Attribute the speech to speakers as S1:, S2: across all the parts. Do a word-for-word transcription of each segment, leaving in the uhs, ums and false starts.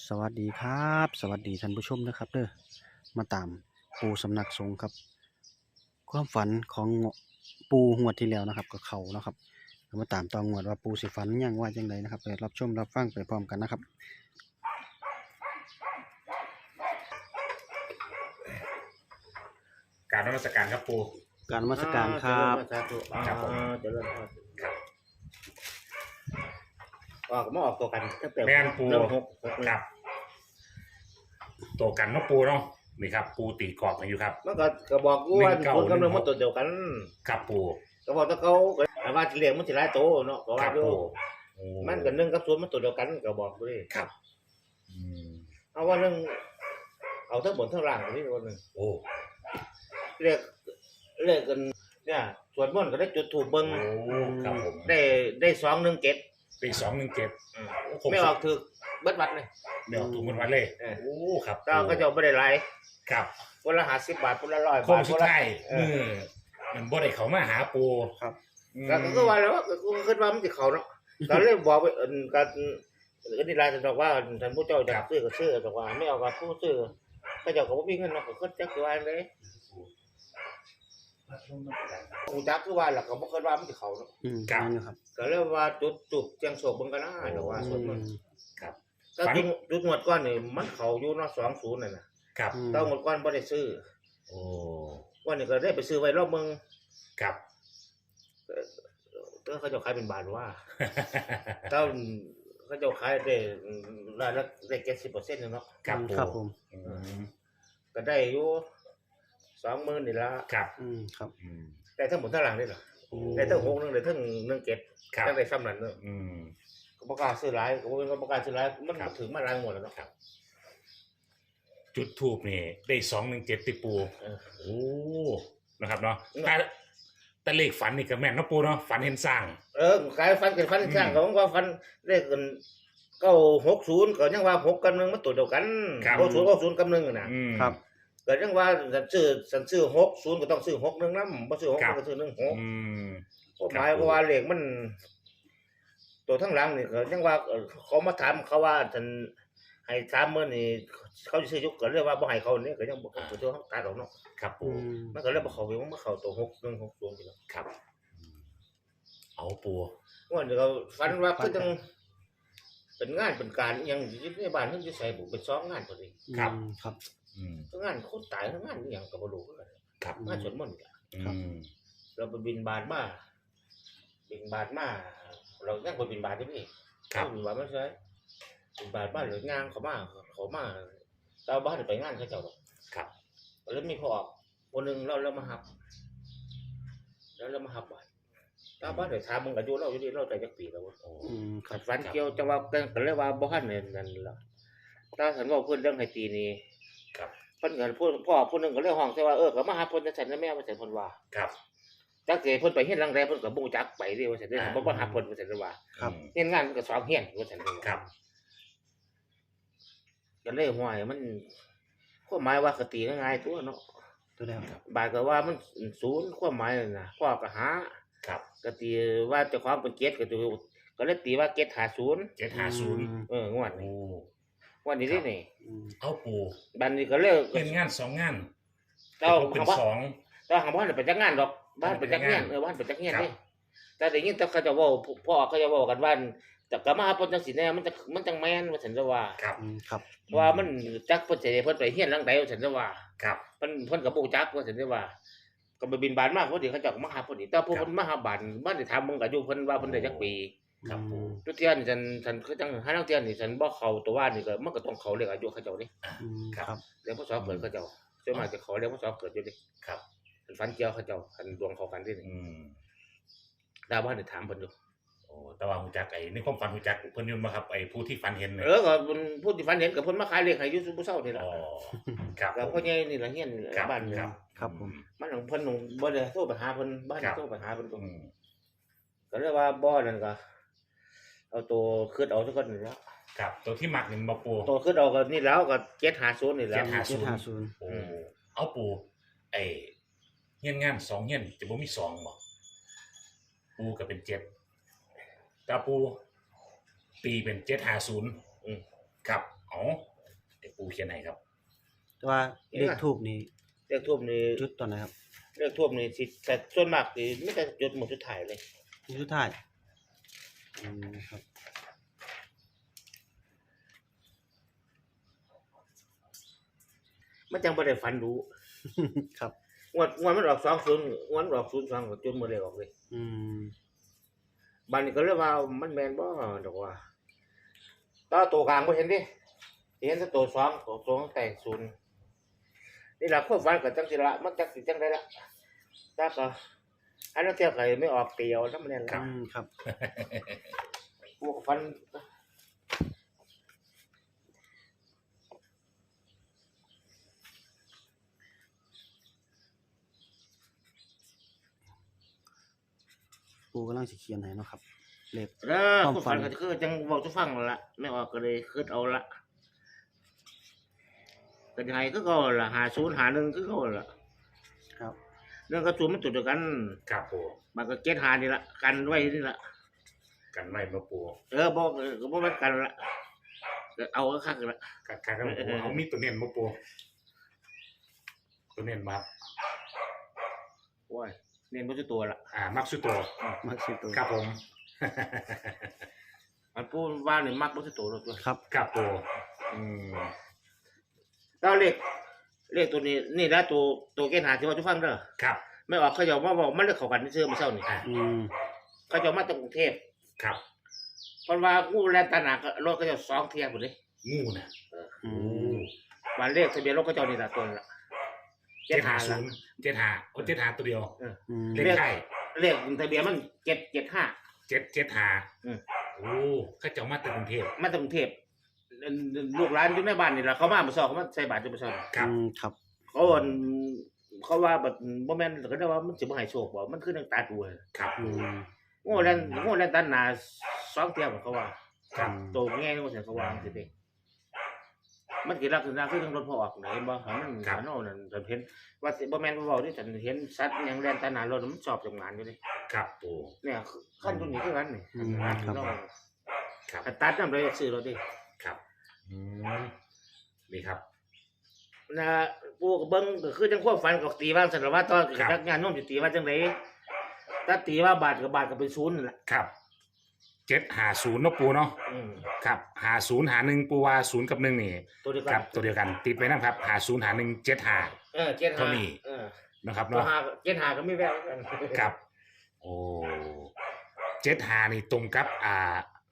S1: สวัสดีครับสวัสดีท่านผู้ชมนะครับเด้อมาตามปูสำนักสงฆ์ครับความฝันของปูงวดที่แล้วนะครับก็เขานะครับมาตามตองงวดว่าปูสิฝันยังว่าจังไดนะครับไปรับชมรับฟังไปพร้อมกันนะครับ
S2: การนมัสการครับปู
S1: การนมัสการครับ
S3: สาธุ
S2: ครับผม
S3: เจริญพร
S2: ครับ
S3: ออกมาออกตัวกันตั้งแต่
S2: แม่นปู
S3: เริ่มหกหก
S2: ครับตัวกันเนาะปูเนาะนี่ครับ ปูตีกรอบมาอยู่ครับ
S3: มันก็ก็บอกกูว่า
S2: หนึ่งเก้า
S3: คนกำลัง
S2: หนึ่งหก
S3: มาตัวเดียวกัน
S2: ครับปู
S3: ก็บอกถ้าเขาก็ว่าสิเลี้ยงมันสิหลายโตเนาะก็
S2: ค
S3: ว่า
S2: รับ
S3: อยู่
S2: ปูโอ้
S3: มันก็หนึ่งกับศูนย์มันตัวเดียวกันก็บอกกูดิ
S2: ครับอืม
S3: เอาว่าหนึ่งเอาทั้งบนทั้งล่างนี่คนหนึง
S2: โอ้
S3: เรียกเรียกกันเนี่ยสวดมนต์ก็ได้จุดถูกเบิ่ง
S2: โอ้ครับผม
S3: ได้ได้สองหนึ่งเจ็ด
S2: ปีสองหนึ่งเจ็ด
S3: ไม่ออกถึกเบิดวัดเลย
S2: เดี๋ยวถูกมันวันเลย
S3: เออ
S2: โอ้ครับ
S3: เจ้าก็จะไม่ได้หลาย
S2: ครับ
S3: คนละห้าสิบบาทคนละร้อย
S2: โค
S3: บาง ท
S2: สุ
S3: ค
S2: ด
S3: นละ
S2: ท้าย
S3: เอ
S2: มื
S3: อ
S2: อมันบ่ได้เขามาหาปู
S1: ครับ
S2: อืม
S3: ก็ก็ว่าแล้วก็กูคิดว่ามันสิเขาเนาะก็เลยบอกไปเอิ่นกันก็นี่ลายจะบอกว่าท่านผู้เจ้าอยากซื้อก็ซื้อบอกว่าไม่เอากับผู้ซื้อก็เจ้าก็บ่มีเงินเนาะก็คิดจักสิว่าจังได๋กูจักคือว่าล่ะก็บ่คิดว่ามันสิเขาเนาะ
S1: อืมนั่นอยู่ครับ
S3: ก็เลยว่าจุดจุกเจียงโศกเบิ่งกันนะเดี๋ยวว่าสวดมนต์
S2: ครับ
S3: ก็จุดจุดงวดก่อนนี่มันเข้าอยู่เนาะสองศูนย์นั่นน่ะ
S2: ครับ
S1: อืม
S3: แต่งวดก่อนบ่ได้ซื้อ
S2: โอ้
S3: วันนี้ก็ได้ไปซื้อไว้รอบเมือง
S2: ครับ
S3: เออเขาเจ้าขายเป็นบาทว่า เต้าเขาเจ้าขายได้รายละได้เจ็ดสิบเปอร์เซ็นต์เนาะ
S2: ครับปู
S1: ครับผม
S2: อืม
S3: ก็ได้อยู่สองหมื่นนี่ละ
S2: ครับ
S1: อืมครับ
S2: อืม
S3: ได้ทั้งหมดทั้งหลังนี่เหรอ
S2: โอ้
S3: ได้ทั้งหกหนึงได้ทั้งหนึ่งเจ็ด
S2: ครับ
S3: ได้ซ้ำนั่นเนาะ
S2: อืม
S3: ก็ประกล้าศซื้อหลายก็บ่เป็นว่าประกล้าศซื้อหลายมัน
S2: ครับ
S3: ถึงมาหลายหมดแล้วเนาะ
S2: ครับ จุดทูบนี่ได้สองหนึ่งเจ็ดติปู
S3: เออ
S2: โอ้นะครับเนาะ
S3: อืม
S2: แต่แต่เลขฝันนี่ก็แม่นเนาะปูเนาะฝันเห็นสร้าง
S3: เออขายฟันกันฟันข้างก็ว่าฟันเลขกันเก้าหกศูนย์ก็ยังว่าหกกับหนึ่งมันตัวเดียวกัน
S2: ครับ
S3: เก้าศูนย์เก้าศูนย์กับหนึ่งน่ะ
S2: อืม
S1: ครับ
S3: ก็ยังว่าสันซื้อสันซื้อหกศูนย์ก็ต้องซื้อหกหนึ่งนำบ่ซื้อหก
S2: ครับ
S3: ก็ซื้อหนึ่งหก
S2: อืม
S3: ก็หมายว่าเลขมัน ตัวทั้งหลังนี่ก็ยังว่าเอ่อเขามาถามเขาว่าท่านให้สามมื้อนี่เขาสิซื้อยุกก็เรียกว่าบ่ให้เขานี่ก็ยังบ่เขาตัวเขาตัดออกเนาะ
S2: ครับ
S1: อื
S2: ปู
S1: ม
S3: มันก็เลยบ่เข้าไปมันบ่เข้าตัวหกหนึ่งหกศูนย์นี่เนาะ
S2: ครับอืมเอาปู
S3: ว่าเดี๋ยวก็ฝันว่าคือจังเป็นงานเป็นการอิหยังอยู่ในบ้านเพิ่นสิใส่บุเป็นสองงานพอดี
S1: ครับครับ
S2: อืม
S3: ทั้งงานคนตายทั้งงานอีหยังก็บ่รู้คือกัน
S2: ครับ
S3: งานสวดมนต์นี่ล่ะ
S1: ครับ
S2: อืม
S3: เราไปบิณฑบาตมาบิณฑบาตมาเรายังบ่บิณฑบาตอยู่นี่
S2: ครับ
S3: บิณฑบาตมาใช่บิณฑบาตบ้านหรืองานเขามาเขามาเราบ้านไปงานเขาเจ้าดอก
S2: ครับ
S3: แล้วมีพ่อคนหนึงเราเรามาหับ แล้วเรามาหับบ้านตาบ้านได้ถามมึงอายุเราอยู่นี่เราได้จักปีแล้ววะ
S2: โอ้
S1: อืมค
S3: ขั
S1: รับ
S3: ดฟันเกี่ยวจะว่ากันเลยว่าบ่ทันเนี่ยนั่นล่ะถ้าฉันว่าเพิ่นเรื่องให้ตีนี่
S2: ครับ
S3: เพิ่นก็พูดพ่อผู้หนึงก็เลยห้องใส่ว่าเออก็มาหาเพิ่นจังซั่นนะแม่ว่าซั่นเพิ่นว่า
S2: ครับ
S3: จักสิเพิ่นไปเฮ็ดหลังใดเพิ่นก็บ่รู้จักไปเด้ว่าซั่นเด้อ
S2: อ่า
S3: บ่บ่หาเพิ่นว่าซั่นเด้อว่า
S1: ครับ
S2: อืม
S3: เฮ็ดงานมันก็สองเฮียนว่าซั่นเด้อ
S2: ครับ
S3: ก็เลยห้วยมันความหมายว่าก็ตีง่ายๆตัวเนาะ
S1: ตัวแล้วครับ
S3: บาดก็ว่ามันศูนย์ความหมายนั่นน่ะพ่อก็หา
S2: ครับ
S3: ก็ตีว่าเจ้าของเป็นเจ็ดก็ตัวก็เลยตีว่าเจ็ดห้าศูนย์
S2: เจ็ดห้าศูนย์
S3: เอองวด
S2: โอ้
S3: นี้งวดนี้นี่นี่
S1: อืม
S2: เอาปู
S3: บัดนี้ก็เลย
S2: เป็นงานสองงาน
S3: เจ้า
S2: เป็น
S3: คำว่า
S2: สอง
S3: เจ้าคำว่าไปจักงานดอกบ้านไปจักเฮียนเออบ้านไปจักเฮียนนี่แต่ได้ยินแต่เขาจะเว้าพ่อเขาจะเว้ากันว่าแต่ก็มาหาเพิ่นจังซี่แน่มันจะมันจังแม่นว่าซั่นจะว่า
S2: ครับ
S1: อืมครับ
S3: ว่ามันจักเพิ่นสิได้เพิ่นไปเฮียนหลังใดว่าซั่นจะว่า
S2: ครับ
S3: เพิ่นเพิ่นก็บ่รู้จักว่าซั่นจะว่าก็ไปบินบานมาพอดีเขาเจ้าก็มาหาพอดีแต่พวกเพิ่นมาหาบ้านบ้านได้ถามมึงก็อายุเพิ่นว่าเพิ่นได้จักปี
S2: ครับปู
S3: ทุกเที่ยนี่ฉันฉันคือจังหานักเที่ยนี่ฉันบ่เข้าตัวว่านี่ก็มันก็ต้องเข้าเรียกอายุเขาเจ้านี่
S1: อืมครับ
S3: เรียกพศเกิดเขาเจ้าส่วนมากจะขอเรียกพศเกิดอยู่ดิ
S2: ครับ
S3: ฉันฝันเกี่ยวเขาเจ้าคันดวงเข้ากันดิ
S2: อืม
S3: ดาวบ้านได้ถามเพิ่นอยู่
S2: โอ้แต่ว่าหูจักไอ้ในความฝันหูจักเพิ่นอยุ่มาครับไอ้ผู้ที่ฝันเห็นเนี่ย
S3: เออก็เพิ่นผู้ที่ฝันเห็นก็เพิ่นมาขายเลขให้อยู่ซุมื้อเช้านี่ล่ะ
S2: อ๋อครับ
S3: ก็พ่อใหญ่นี่ล่ะเฮียน
S2: ครับ
S3: บ้านนี่
S2: ครับ
S1: ครับผม
S3: มันของเพิ่นของบ่ได้โทรไปหาเพิ่นบ้าน
S2: ครับ
S3: โทรไปหาเพิ่นก็
S2: อืม
S3: ก็เลยว่าบ่นั่นก็เอาตัวคิดเอาซะก่อนนี่แล้ว
S2: ครับตัวที่หมักนี่บ่ปู
S3: ตัวคิดเอาก็นี่แล้วก็เจ็ดห้าศูนย์นี่แหล้ว
S2: เจ็ดห้า
S1: เจ็ดห้าศูนย์
S2: โอ้เอาปูไอ้เฮียนงานสองเฮียนจะบ่มีสองบ่ปูก็เป็นเจ็ดแต่ปูตีเป็นเจ็ดห้าศูนย์
S3: อืม
S2: ครับเอาเดี๋ยวปูเขียนให้ครับ
S1: แต่ว่าเลขทูบนี่
S3: เลขทูบนี่
S1: จุดตอนไหนครับ
S3: เลขทูบนี่สิแต่ส่วนมากนี่ไม่แต่จุดหมดสุดท้ายเลย
S1: จุดสุดท้ายอืมครับ
S3: มันจังบ่ได้ฝันรู้
S1: ครับ
S3: งวดงวดมันออกสองศูนย์งวดมันออกศูนย์สองก็จนบ่ได้ออกเลย
S1: อืม
S3: บัดนี้ก็เลยว่ามันแม่นบ่ดอกว่าตาตัวกลางบ่เห็นดิเห็นแต่ตัวสองตัวสองแต่ศูนย์นี่ล่ะความฝันก็จังสิละมันจังสิจังได๋ล่ะถ้าก็อันนั้นเที่ยวก็ไม่ออกเตียวนำแน่น
S2: ครั
S3: ล่ะ
S2: บ
S1: อืมครับ
S3: พวกฝัน
S1: ปูกำลังสิเขียนให้เนาะครับเลข
S3: เด้อ
S1: ความ
S3: ความ
S1: ฝั
S3: ฝั
S1: น
S3: นก็คือจังเว้าสู่ฟังนั่นล่ะไม่ออกก็เลยคิดเอาละก็ยังไงคือเก่าล่ะห้าศูนย์ ห้าหนึ่งคือเก่าล่ะ
S1: ครับ
S3: เรื่องกระสุนมันจุดเดียวกัน
S2: ครับปู
S3: มันก็เก็ตหานี่ละกันไว้นี่ละ
S2: กันไว้มาปู
S3: เออบอกเออก็บอกว่ากันละก็เอาก็คักละ
S2: กันกันครับปูเอามีตัวเน้นมาปูตัวเน้นมาครับ
S3: โอ้ยเน้นบ่สิตัวละ
S2: อ่ามักสุดตัว
S1: มักสิตัว
S2: ครับผม
S3: มันพูดว่านี่มักบ่สิตัวแล้วตัว
S1: ครับ
S2: ครับปูอืม
S3: ก็เลขเลขตัวนี้นี่นะตัวตัวเก็ตหาที่ว่าทุกฟังเด้อ
S2: ครับ
S3: ไม่ออกเขาจะมาบอกมันเลือกเข้ากันซื่อๆมื้อเช้านี่
S2: อ่า
S1: อืม
S3: เขาจะมาจากกรุงเทพ
S2: ครับ
S3: เพราะว่างูแลนตาหนักรถเขาจะสองเที่ยพุ่นเด้
S2: งูน่ะ
S1: อื
S2: โอ้
S1: ม
S3: วันเลขทะเบียนรถเขาเจ้านี่ล่ะตัวละ
S2: เจ็ดหาศูนย์เจ็ดหาโอ้เจ็ดหาตัวเดียว
S1: อืม
S2: เลขไทย
S3: เลขทะเบียนมันเจ็ดเจ็ดห้า
S2: เจ็ดเจ็ดหา
S3: อืม
S2: โอ้เข้าเจ้ามาจากกรุงเทพ
S3: มาจากกรุงเทพลูกหลานอยู่ในบ้านนี่ล่ะเขามาเมื่อเช้าเขามาใส่บาตรอยู่เมื่อเช้า
S2: ครับ
S1: อืมครับ
S3: เขาว่าเขาว่าแบบบ่แม่นก็ได้ว่ามันสิบ่ให้โชคบ่มันคือนังตาดูเลย
S2: ครับ
S1: อื
S2: ปู
S1: ม
S3: โง่แล่นโง่แล่นตันหน้าสองเที่ยวเขาว่า
S2: ครับ
S3: โตแง่โง่แต่เขาว่าสิเด้มันสิลักษณะคือจังรถพอออกเห็นบ่หันมันหันเอานั่นฉันเห็นว่าสิบ่แม่นบ่เว้าดิฉันเห็นสัตว์หยังแล่นตันหน้ารถมันชอบทำงานอยู่เด้
S2: ครับปู
S3: เนี่ยคันตัวนี้คือกันนี่
S1: อืมครับ
S2: ครับ
S3: คันตัดนำเลยซื้อรถดิ
S2: ครับอืมนี่ครับ
S3: นะปู่ก็เบิ่งก็คือจังความฝันก็ตีว่าซั่นล่ะว่าตอน
S2: ครับ
S3: จักงานโน้มสิตีว่าจังไดถ้าตีว่าบาทกับบาทก็เป็นศูนย์นั่นแหละ
S2: ครับเจ็ดหาศูนย์เนาะปูเนาะ
S3: อืม
S2: ครับหาศูนย์หาหนึ่งปูว่าศูนย์กับหนึ่งนี่
S3: ตัวเดียวกั
S2: ครับตัวเดียวกัน ติดไว้นะครับหาศูนย์หาหนึ่งเจ็ดหา
S3: เออเจ็ด
S2: เท่า
S3: ห้า
S2: นี้
S3: เออ
S2: นะครับ
S3: ตัว
S2: เนาะ
S3: หาเจ็ดหาก็ไม่แววกัน
S2: ครับ โอ้เจ็ดหานี่ตรงกับอ่า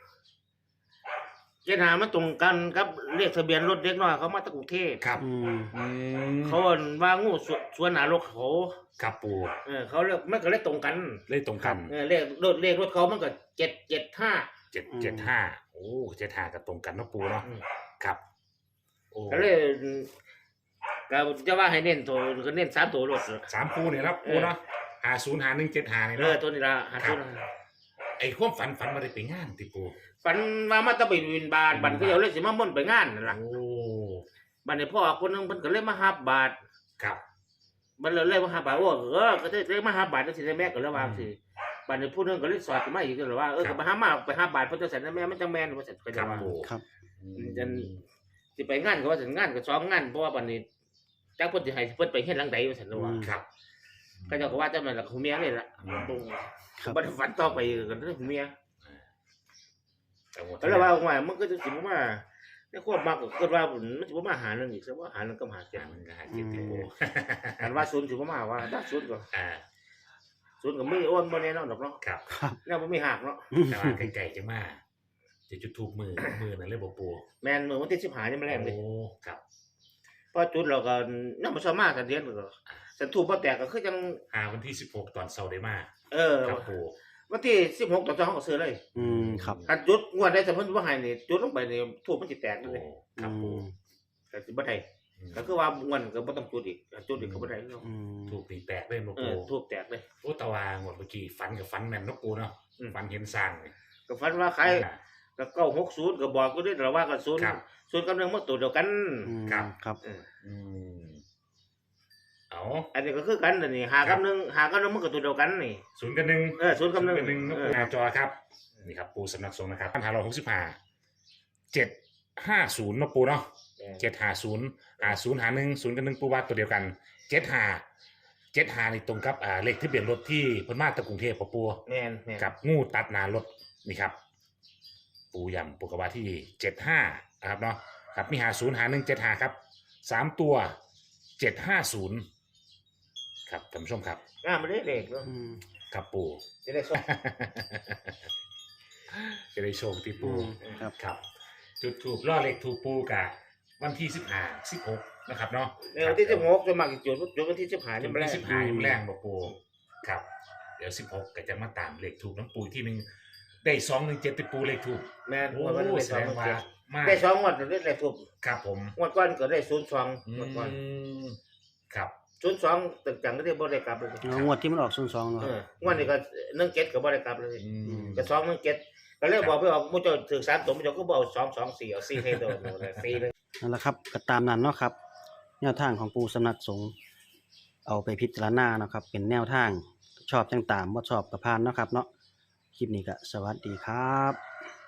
S3: เจ็ดหามันตรงกันครับเรียกทะเบียนรถเด็กน้อยเขามาจากกรุงเทพ
S2: ครับ
S1: อืม
S2: อืม
S3: เขาว่างูสวนสวนหนารถเขา
S2: ครับปู
S3: เออเขาเรียกมันก็เลยตรงกัน
S2: เลยตรงกัน
S3: เออเลขรถเลขรถเขามันก็เจ็ดเจ็ดห้า
S2: เจ็ดเจ็ดห้าโอ้เจ็ดห้ากับตรงกันเนาะปูเนาะ
S3: อืม
S2: ครับโอ้
S3: ก็เลยก็จะว่าให้เน้นตัวก็เน้นสามตัวรถ
S2: สามปูเนี่ยนะปูเนาะหาศูนย์หาหนึ่งเจ็ดหาเนี่ย
S3: เออ
S2: เนาะ
S3: ตัวนี้ละหาตัว
S2: ไอ้ความฝันฝันมาได้ไปงานติปู
S3: ฝันว่ามาตะไปวินบาทบันก็เดี๋ยวเลยสิมาม่นไปงานนั่นล่ะ
S2: โอ้
S3: บัดนี้พ่อคนหนึงเพิ่นก็เลยมาหาบาท
S2: ครับ
S3: บัดเลยเลยมาหาบาทโอ้เออก็ได้เลยมาหาบาทจังซี่ได้แม่ก็เลยว่าสิบัดนี้ผู้หนึงก็เลยสอดขึ้นมาอีกก็เลยว่าเออก็ไปหามาไปหาบาทเพิ่นจังซั่นนะแม่มันจังแม่นว่าซั่นก็
S2: ค
S3: จะ
S2: รับ
S3: ว่า
S2: ปู
S1: ครับ
S2: อืม
S3: จัน สิไปงานก็ว่าซั่นงานก็สองงานเพราะว่าบัดนี้จักเพิ่นสิให้เพิ่นไปเฮ็ดหลังใดว่าซั่นเนาะว่า
S2: ครับ
S3: ก็เจ้าก็ว่าจังนั้นล่ะหูเมียเลยล่ะ
S2: อืม
S3: ตรง
S1: ครับ
S3: บัดฝันต่อไปก็เรื่องหูเมีย
S2: แต่หมด
S3: ก็เลยว่าว่ามันก็จะสิบ่มาในความมักก็คิดว่ามันสิบ่มาหาเรื่องอีกซะว่าหาเรื่องก็หาเจ็
S2: อ่า
S3: บ
S2: มันก็หาเจ็ดติปู
S3: อันว่าศูนย์สิบ่มาว่าถ้าศูนย์ก็
S2: อ่า
S3: ศูนย์ก็ไม่อ้วนบ่แน่นอนดอกเนาะ
S2: ครับ
S1: ครับ
S3: แล้วบ่มีหักเนาะ
S2: แต่ว่าไก่ๆจะมาจะจุดทูบมือมือนั่นเลยบ่ปู
S3: แม่นมื้อวันที่สิบห้านี่มันแรงเลย
S2: โอ้ครับ
S3: พอจุดเราก็นำมาสมาสันเดียนก็สันทูบบ่แตกก็คือจัง
S2: หาวันที่สิบหกตอนเสาร์ได้มา
S3: เออ
S2: ครับปู
S3: วันที่สิบหกตอนเช้าเขาก็ซื้อเลย
S1: อืมครับ
S3: คันจุดงวดได้สมมุติว่าให้นี่จุดลงไปนี่ทูบมันสิแตก
S2: โอ้
S3: เลย
S2: ครับ
S1: อื
S2: ปู
S1: ม
S3: ก็สิบ่ได้
S2: อืม
S3: ก็คือว่างวดก็บ่ต้องจุดอีกจุดอีกก็บ่ได้เนาะ
S1: อืม
S2: ถูกตีแตกเลยบ่
S3: เอ
S2: ปู
S3: อทูบแตกเลย
S2: โอ้ตะวางหมดเมื่อกี้ฝันกับฝันแม่นเนาะปูเนาะ
S3: อืม
S2: ฝันเห็นสร้างนี่
S3: ก็ฝันว่าใคร
S2: อ่า
S3: ก็เก้าหกศูนย์ก็บอกก็ได้แต่ว่าก็ศูนย์
S2: ครับ
S3: ศูนย์กับหนึ่งมันตัวเดียวกัน
S1: อืม
S2: ครับ
S1: ครับ
S3: เออ
S2: อืมเอา
S3: อันนี้ก็คือกันอันนี้หากับหนึ่งหากับหนึ่งมันก็ตัวเดียวกันนี่
S2: ศูนย์กับหนึ่ง
S3: เออศูนย์กับหนึ่ง
S2: ศูย์หนึ่ง
S3: เอ
S2: ปู
S3: อ
S2: หน้าจอครับนี่ครับปูสำนักสงฆ์นะครับพันห้าร้อยหกสิบห้าเจ็ดห้าศูนย์เนาะปูเนาะ
S3: แม่น
S2: เจ็ดห้าศูนย์ห้าศูนย์หาหนึ่งศูนย์กับหนึ่งปูว่าตัวเดียวกันเจ็ดห้าเจ็ดห้านี่ตรงกับอ่าเลขทะเบียนรถที่เพิ่นมาจากกรุงเทพฯปู
S3: แม่นแม่น
S2: กับงูตัดหน้ารถนี่ครับ ปูยำปูกระว่าที่เจ็ดห้านะครับเนาะครับมีหาศูนย์หาหนึ่งเจ็ดห้าครับสามตัวเจ็ดห้าศูนย์ครับท่านผู้ชมครับ
S3: งามบ่ได้เลขเนาะ
S1: อืม
S2: ครับปู
S3: จะได้ส่ง
S2: จะได้โชคที่
S1: อื
S2: ปู
S1: มครับ
S2: ครับ จุดถูกล่อเลขถูกปูกับวันที่สิบห้าสิบหกนะครับเนาะ
S3: ในวันที่สิบหกจะมาจุดจุดวันที่สิบห้า
S2: จุ
S3: นี่
S2: ด
S3: บ่ได้
S2: ที่สิบห้ายังแรงบอกปูครับ เดี๋ยวสิบหกก็จะมาตามเลขถูกน้ำปูอีกที่หนึ่งได้สองหนึ่งเจ็ดติดปูเลขถูก
S3: แม่น
S2: โอ้
S3: วันนี้ได้
S2: แส
S3: สอ
S2: ด
S3: ง
S2: งว่า
S3: เจ็ด
S2: มาก
S3: ได้สองงวดได้เลขถูก
S2: ครับผม
S3: งวดก่อนก็ได้ศูนย์สอง
S2: อื
S3: งวดก่อน
S2: มครับ
S3: ศูนย์สองตึกจังก็ได้บ่ได้กลับเลย
S1: เอางวดที่มันออกศูนย์สองเนาะ
S3: เอองวดนี้ก็หนึ่งเจ็ดก็บ่ได้กลับเลย
S2: อืม
S3: ก็สองหนึ่งเจ็ดก็เลยบอกไปออกมุจาถือสามตัวมุจาก็บอกสองสองสี่เอาสี่ให้โดนเลยสี่หนึ่ง
S1: นั่นแหละครับก็ตามนั้นเนาะครับแนวทางของปูสำนักสงฆ์เอาไปพิจารณาเนาะครับเป็นแนวทางชอบจังตามบ่ชอบก็ผ่านเนาะครับเนาะคลิปนี้ก็สวัสดีครับ